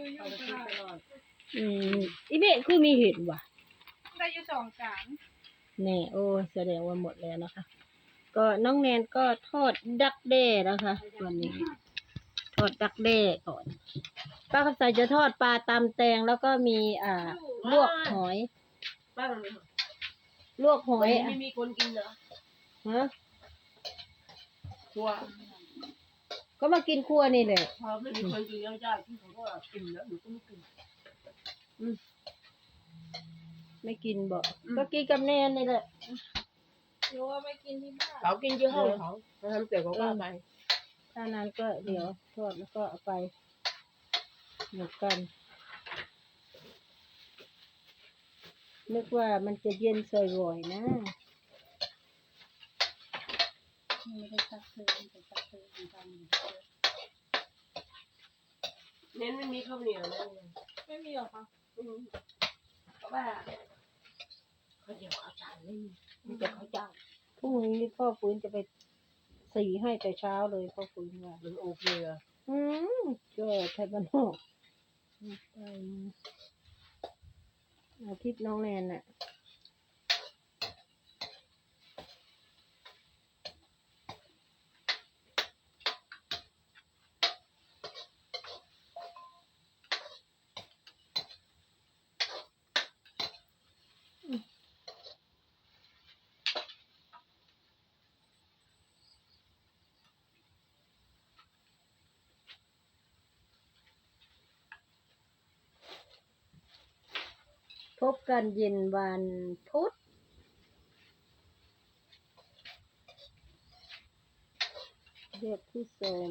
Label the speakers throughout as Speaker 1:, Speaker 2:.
Speaker 1: เอาไปกินตลอด
Speaker 2: อีเมฆคือมีเห็ดว่ะ
Speaker 3: ได้อยู่2 จาน
Speaker 2: แน่โอ้แสดงว่าหมดแล้วนะคะก็น้องแนนก็ทอดดักแด้นะคะวันนี้ทอดดักแด้ก่อนป้าคำใสจะทอดปลาตำแตงแล้วก็มีลวกหอย
Speaker 1: บ้าน
Speaker 2: ลวกหอย
Speaker 1: ไม่มีคนกินเหรอ
Speaker 2: ฮะ
Speaker 1: ครัว
Speaker 2: ก็มากินครัวนี่แหละ
Speaker 1: พอไม่มีคนกินแล้วจ้าที่เขาก็กินแล้วหนูก็ไม่กิน
Speaker 2: ไม่กินบ่ก็กินกับแนนนี่แหละ
Speaker 3: หรือว่าไปกินที่บ้าน
Speaker 1: เขากินที่ห้องเขาทำเกี่ยวกับว่าไป
Speaker 2: ถ้านั้นก็เดี๋ยวทอดแล้วก็เอาไปหมดกันนึกว่ามันจะเย็นสวยๆนะ
Speaker 3: ไม่ได้ซักเลยแต่ซักเลยเหมือนกัน
Speaker 1: เน้นไม่มีข้าวเหนียวเลย
Speaker 3: ไม่มีหรอคะ
Speaker 1: เพราะว่าข้าวเหนียวข้าวจานไม่มีแต่ข้าวเจ้า
Speaker 2: พรุ่งนี้พ่อฟื้นจะไปสีให้แต่เช้าเลยพ่อฟื้นว่า
Speaker 1: หรือโอเคอ่ะ
Speaker 2: ก็ไทยบ้านนอกไปอาทิตย์น้องแนนน่ะพบกันเย็นวันพุธเรียกผู้ชม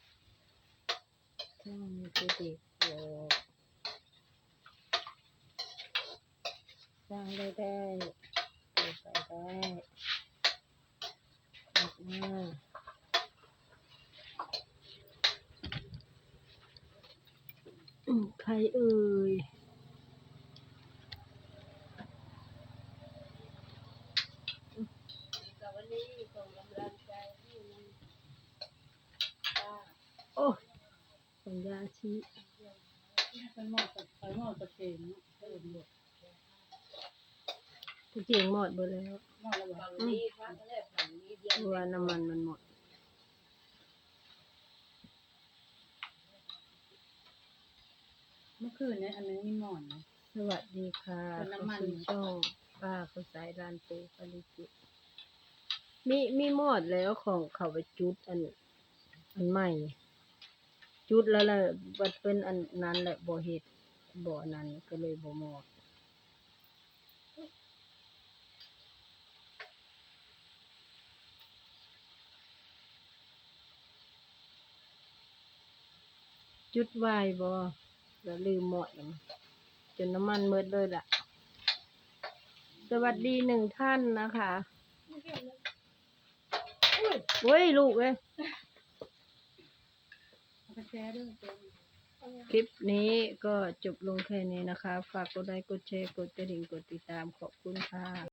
Speaker 2: ช่างผู้เด็กโลกสร้างได้เปิดไปได้ออกมาใครเอ่ยโอ้สัญญาชี
Speaker 3: เป็นหม้อตะเกียงเติมหมด
Speaker 2: ทุกอย่างหมดหมดแล้ว
Speaker 3: หม้อละฝั่งนี้ฝั่งนี้เดียว
Speaker 2: ว่าน้ำมันหมด
Speaker 3: เมื่อคืนเนี่ยอันนี้มีหม้อนะ
Speaker 2: สวัสดีค่ะน้ำมันช่องป้าเขาสายร้านปูปริจิตมีหมดแล้วของเขาไปจุดอันใหม่จุดแล้วแหละบัดเป็นอันนั้นแหละบ่เฮ็ดบ่นั้นก็เลยบ่หมดจุดไว้บ่แล้วลืมหมดจนน้ำมันหมดเลยล่ะสวัสดี1 ท่านนะคะเว้ยลูกเอ้ยคลิปนี้ก็จบลงแค่นี้นะคะฝากกดไลค์กดแชร์กดกระดิ่งกดติดตามขอบคุณค่ะ